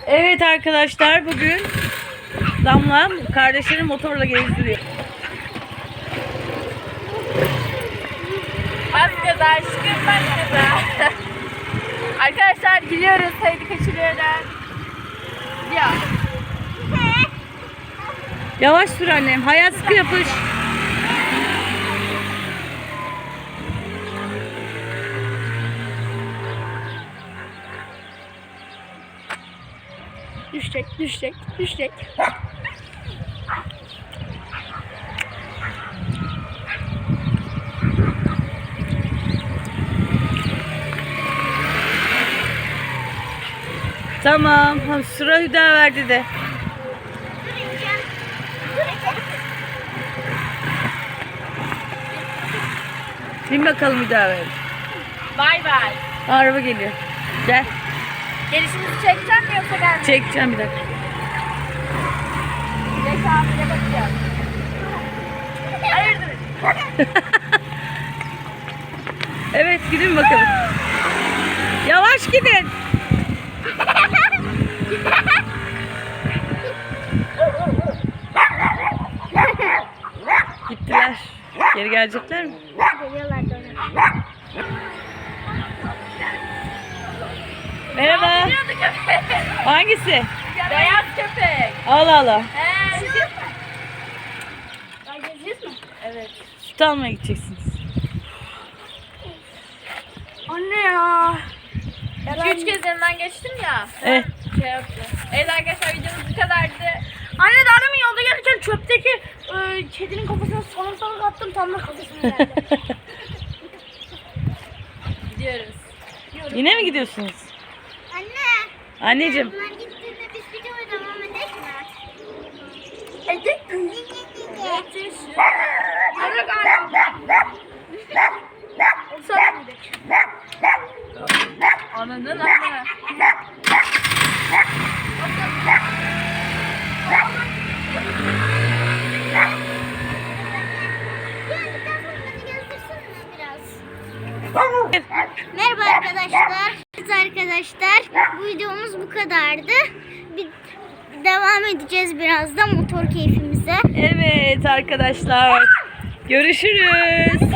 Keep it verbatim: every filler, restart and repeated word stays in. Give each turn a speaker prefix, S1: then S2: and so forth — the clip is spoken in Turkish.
S1: Evet arkadaşlar, bugün Damla kardeşlerini motorla gezdiriyor.
S2: Bas gaza aşkım, bas gaza. Arkadaşlar gidiyoruz, haydi kaçırıyorlar. Ya.
S1: Yavaş sür annem, hayat sıkı yapış.
S2: Düşecek, düşecek, düşecek.
S1: Tamam, sıra Hüdaverdi de. Bin bakalım Hüdaverdi.
S2: Bay bay.
S1: Araba geliyor. Gel.
S2: Gelişimizi çekeceğim mi yoksa gelmeyecek?
S1: Çekeceğim bir dakika.
S2: Geç abine bakacağım. Hayırdır?
S1: Evet, gidin bakalım. Yavaş gidin. Gittiler. Geri gelecekler mi?
S2: Geliyorlar dönüyor.
S1: Merhaba.
S2: Geliyordu köpek.
S1: Hangisi?
S2: Beyaz köpek.
S1: Allah Allah.
S2: He. Gezeceğiz mi? Evet.
S1: Süt almaya gideceksiniz.
S2: Anne ya. iki üç kez yanından geçtim ya.
S1: Evet.
S2: Şey yaptı. Evet arkadaşlar, videomuz bu kadardı. Anne daha demin yolda gelirken çöpteki e, kedinin kafasına salak salak attım, tam da kafasına geldi. Gidiyoruz.
S1: Yine mi gidiyorsunuz?
S3: Anne,
S1: Anneciğim.
S3: bunlar gittiğinde biz videoya devam edek mi?
S2: Edek. Evet. Hadi galiba. Sonra gidelim. Anladın anne.
S3: Geldikten sonra beni gezdirsene biraz. Merhaba arkadaşlar. Evet arkadaşlar, bu videomuz bu kadardı. Bir devam edeceğiz birazdan motor keyfimize.
S1: Evet arkadaşlar. Görüşürüz.